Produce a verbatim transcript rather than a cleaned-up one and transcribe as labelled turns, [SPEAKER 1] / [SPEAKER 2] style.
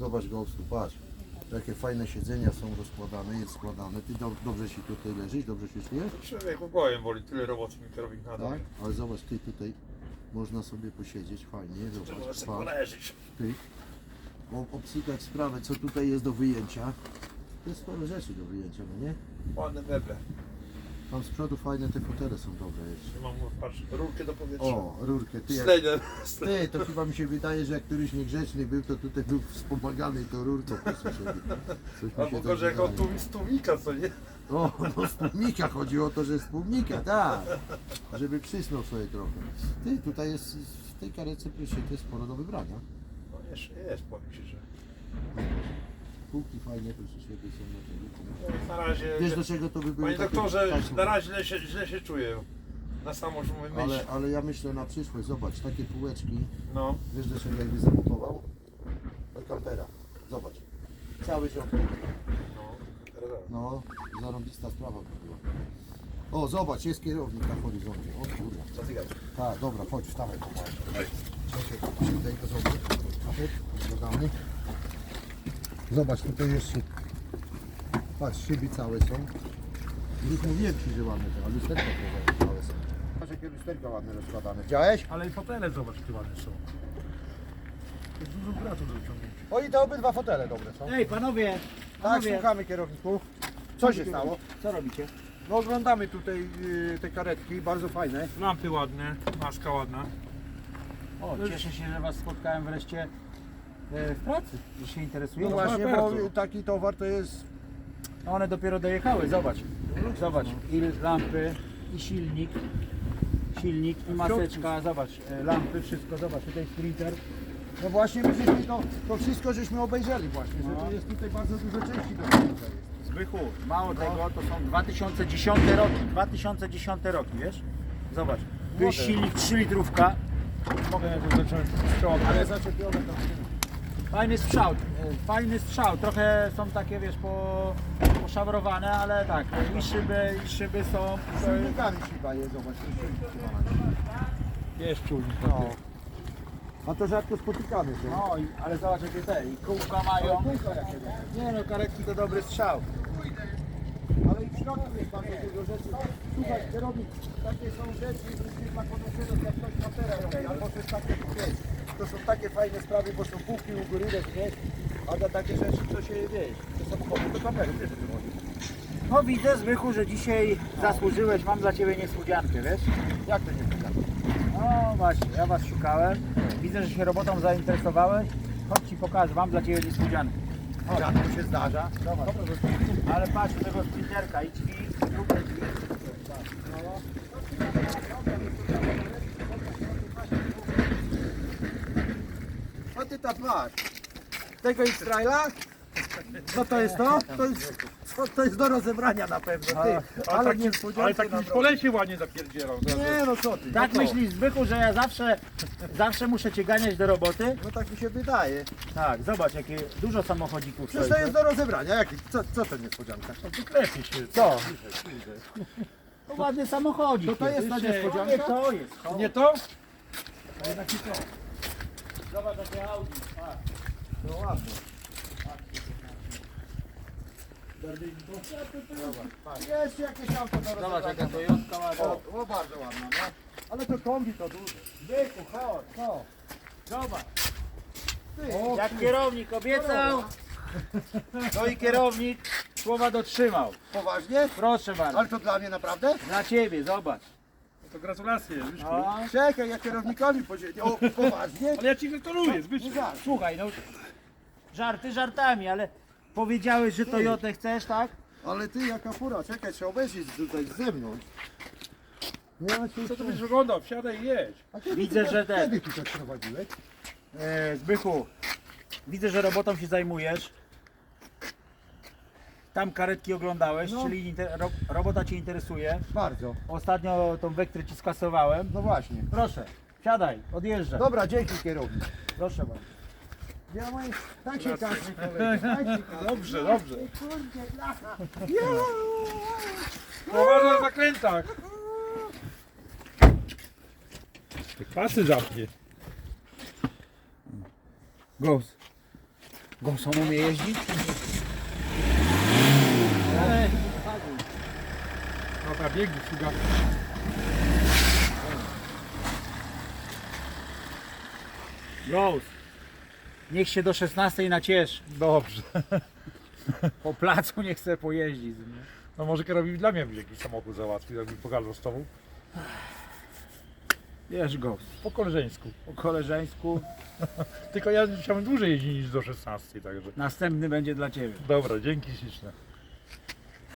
[SPEAKER 1] Zobacz Ghostu, patrz. Jakie fajne siedzenia są rozkładane, jest składane. Ty do, dobrze się tutaj leżysz, dobrze się czujesz?
[SPEAKER 2] Człowieku głowie boli, tyle roboty mi kierownik nadał.
[SPEAKER 1] Tak? Ale zobacz, ty tutaj można sobie posiedzieć, fajnie,
[SPEAKER 2] Trzeba
[SPEAKER 1] zobacz,
[SPEAKER 2] sobie
[SPEAKER 1] patrz,
[SPEAKER 2] poleżeć.
[SPEAKER 1] ty. O- Obsykać sprawę, co tutaj jest do wyjęcia. Jest sporo rzeczy do wyjęcia, no nie?
[SPEAKER 2] Ładne meble.
[SPEAKER 1] Tam z przodu fajne te fotele są dobre jeszcze.
[SPEAKER 2] Mam, patrz, rurkę do powietrza.
[SPEAKER 1] O, rurkę, ty jak...
[SPEAKER 2] Slejdę.
[SPEAKER 1] Ty, to chyba mi się wydaje, że jak któryś niegrzeczny był, to tutaj był wspomagany i to rurką posłyszeli. Coś mi się
[SPEAKER 2] Albo
[SPEAKER 1] tak
[SPEAKER 2] gorzej jak
[SPEAKER 1] wydaje.
[SPEAKER 2] od tłum- z tłumika, co nie?
[SPEAKER 1] O, no z tłumika, chodzi o to, że z tłumika, tak. Żeby przysnął sobie trochę. Ty, tutaj jest w tej karetce jest sporo do wybrania.
[SPEAKER 2] No jeszcze jest, powiem Ci, że...
[SPEAKER 1] Półki fajnie, proszę świetnie są na tego.
[SPEAKER 2] Na razie...
[SPEAKER 1] Wiesz do czego to by było?
[SPEAKER 2] Panie
[SPEAKER 1] takie
[SPEAKER 2] doktorze,
[SPEAKER 1] taśmy.
[SPEAKER 2] na razie źle się, źle się czuję. Na samo już mówię myśl.
[SPEAKER 1] ale, ale ja myślę na przyszłość, zobacz, takie półeczki,
[SPEAKER 2] No.
[SPEAKER 1] wiesz do czego jakby zamontował? Do kampera, zobacz. Cały ziomki.
[SPEAKER 2] No. Teraz.
[SPEAKER 1] No, zarąbista sprawa by była. O, zobacz, jest kierownik na horyzoncie. O kurwa.
[SPEAKER 2] Co ty gadasz?
[SPEAKER 1] Tak, dobra, chodź, wstawaj. Czekaj, tutaj to sobie. Dodamy. Zobacz, tutaj jest szyb. Patrz, szyby całe są. Już mówiłem Ci, że ładne te, a lusterka też całe są. Patrz, jakie lusterka ładne rozkładane. Widziałeś?
[SPEAKER 2] Ale i fotele zobacz, jakie ładne są. To jest dużo bratu do wyciągnięcia.
[SPEAKER 1] O, i te obydwa fotele dobre są.
[SPEAKER 3] Ej, panowie,
[SPEAKER 1] Tak,
[SPEAKER 3] panowie,
[SPEAKER 1] słuchamy kierowniku. Co się stało?
[SPEAKER 3] co robicie?
[SPEAKER 1] No oglądamy tutaj y, te karetki, bardzo fajne.
[SPEAKER 2] Lampy ładne, maska ładna.
[SPEAKER 3] O, cieszę się, że was spotkałem wreszcie e, w pracy, że się
[SPEAKER 1] No
[SPEAKER 3] interesują.
[SPEAKER 1] właśnie,
[SPEAKER 2] bardzo.
[SPEAKER 1] bo taki towar to jest...
[SPEAKER 3] One dopiero dojechały, zobacz. Zobacz, i lampy, i silnik, silnik, i maseczka, zobacz, e, lampy, wszystko, zobacz, tutaj sprinter.
[SPEAKER 1] No właśnie, my żeśmy to, to wszystko żeśmy obejrzeli właśnie, że
[SPEAKER 3] No.
[SPEAKER 1] to jest tutaj bardzo dużo części do końca jest.
[SPEAKER 3] Zbychu, mało tego, to są dwa tysiące dziesiąte roki, dwa tysiące dziesiąte roki, wiesz? Zobacz, tu jest
[SPEAKER 1] Model.
[SPEAKER 3] silnik trzy litrówka,
[SPEAKER 2] Mogę zacząć strzał.
[SPEAKER 1] Ale zaczepione tam.
[SPEAKER 3] fajny strzał, e, fajny strzał, trochę są takie, wiesz, po, poszabrowane, ale tak, i szyby, i szyby są,
[SPEAKER 1] Z silnikami chyba jest, zobacz. jest silnik chyba.
[SPEAKER 2] Jest czujnik.
[SPEAKER 1] No. A to rzadko spotykane są.
[SPEAKER 3] no, i, ale zobacz jakie te, i kółka mają.
[SPEAKER 1] Kółka jakie dobre.
[SPEAKER 3] Nie no, karetki to dobry strzał.
[SPEAKER 1] Ale i w środku jest bardzo dużo rzeczy. Słuchaj, kierownik, takie są rzeczy, które dla podnoszenia, jak ktoś kapera robi, albo coś takiego, wiesz. To są takie fajne sprawy, bo są półki u góry, wiesz, a na takie rzeczy, co się, wiesz, to samochody, to kamery, wiesz, o czym chodzi.
[SPEAKER 3] No widzę, Zbychu, że dzisiaj zasłużyłeś, mam dla Ciebie niespodziankę, wiesz?
[SPEAKER 1] Jak to nie wygląda?
[SPEAKER 3] No właśnie, ja Was szukałem, widzę, że się robotą zainteresowałeś. Chodź Ci pokażę, mam dla Ciebie niespodziankę.
[SPEAKER 1] Rzadko się zdarza.
[SPEAKER 3] Zobacz. Ale patrz, tego sprinterka i drzwi, i drugie drzwi.
[SPEAKER 1] A ty tak masz. Tego X-Traila? Co to jest to? To jest, to, to jest do rozebrania na pewno, ty. Ale nie
[SPEAKER 2] Ale tak już po lesie ładnie zapierdzierał.
[SPEAKER 1] Nie no co ty.
[SPEAKER 3] Tak
[SPEAKER 1] no to-
[SPEAKER 3] myślisz, Zbychu, że ja zawsze, zawsze muszę Cię ganiać do roboty?
[SPEAKER 1] No tak mi się wydaje.
[SPEAKER 3] Tak, zobacz, jakie dużo samochodzików
[SPEAKER 1] Przecież
[SPEAKER 3] stoi.
[SPEAKER 1] to jest do rozebrania. Jaki? Co, co to niespodzianka?
[SPEAKER 2] Wyklepie się.
[SPEAKER 3] Co? To ładny samochodzik.
[SPEAKER 1] To to jest ta
[SPEAKER 3] Nie,
[SPEAKER 1] niespodzianka?
[SPEAKER 3] to jest.
[SPEAKER 2] To nie to?
[SPEAKER 3] Zobacz, jakie Audi. patrz.
[SPEAKER 1] No ładnie. Jest jakieś auto do
[SPEAKER 3] Zobacz,
[SPEAKER 1] rozebrania.
[SPEAKER 3] jaka Toyotka ładna.
[SPEAKER 1] O, o bardzo ładna, no. Ale to kombi to duże.
[SPEAKER 3] Zbychu, chodź.
[SPEAKER 1] Co?
[SPEAKER 3] Zobacz.
[SPEAKER 1] Ty,
[SPEAKER 3] O, jak kierownik obiecał, to i kierownik słowa dotrzymał.
[SPEAKER 1] poważnie?
[SPEAKER 3] Proszę bardzo.
[SPEAKER 1] Ale to dla mnie naprawdę?
[SPEAKER 3] Dla Ciebie, zobacz.
[SPEAKER 2] To gratulacje, Zbyszku.
[SPEAKER 3] No.
[SPEAKER 1] Czekaj, ja kierownikowi podzieliłem. O, poważnie?
[SPEAKER 2] Ale ja ci gratuluję, Zbyszku.
[SPEAKER 1] Nie żart.
[SPEAKER 3] Słuchaj, no żarty żartami, ale powiedziałeś, że Toyotę chcesz, tak?
[SPEAKER 1] Ale ty jaka fura, czekaj, trzeba obejrzeć tutaj z zewnątrz. Ja ci
[SPEAKER 2] Co to byś wyglądał? Wsiadaj i jedź.
[SPEAKER 1] A kiedy
[SPEAKER 3] Widzę,
[SPEAKER 1] ty,
[SPEAKER 3] że ten-
[SPEAKER 1] Kiedy ty tak prowadziłeś?
[SPEAKER 3] E, Zbychu, widzę, że robotą się zajmujesz. Tam karetki oglądałeś,
[SPEAKER 1] No.
[SPEAKER 3] czyli inter, ro, robota Cię interesuje.
[SPEAKER 1] Bardzo.
[SPEAKER 3] Ostatnio tą Vectrę Ci skasowałem.
[SPEAKER 1] No właśnie.
[SPEAKER 3] Proszę, siadaj, odjeżdżaj.
[SPEAKER 1] Dobra, dzięki kierownik.
[SPEAKER 3] Proszę bardzo.
[SPEAKER 1] Ja mam... Tak się każe, kolega. Tak się każe.
[SPEAKER 2] Dobrze, dobrze.
[SPEAKER 1] Kurde, blacha.
[SPEAKER 2] Poważnie na zakrętach. Pasy zamknie.
[SPEAKER 3] Ghost. Gąsą umie jeździć?
[SPEAKER 2] Dobra, biegnie, sługa.
[SPEAKER 3] Ghost. Niech się do szesnastej nacieszy.
[SPEAKER 2] Dobrze.
[SPEAKER 3] Po placu nie chce pojeździć. Nie?
[SPEAKER 2] No może kierownik dla mnie by jakiś samochód załatwił, jakby pogadał z tobą.
[SPEAKER 3] Wiesz, Ghost.
[SPEAKER 2] Po koleżeńsku.
[SPEAKER 3] Po koleżeńsku.
[SPEAKER 2] Tylko ja chciałbym dłużej jeździć niż do szesnastej, także.
[SPEAKER 3] Następny będzie dla Ciebie.
[SPEAKER 2] Dobra, dzięki śliczne.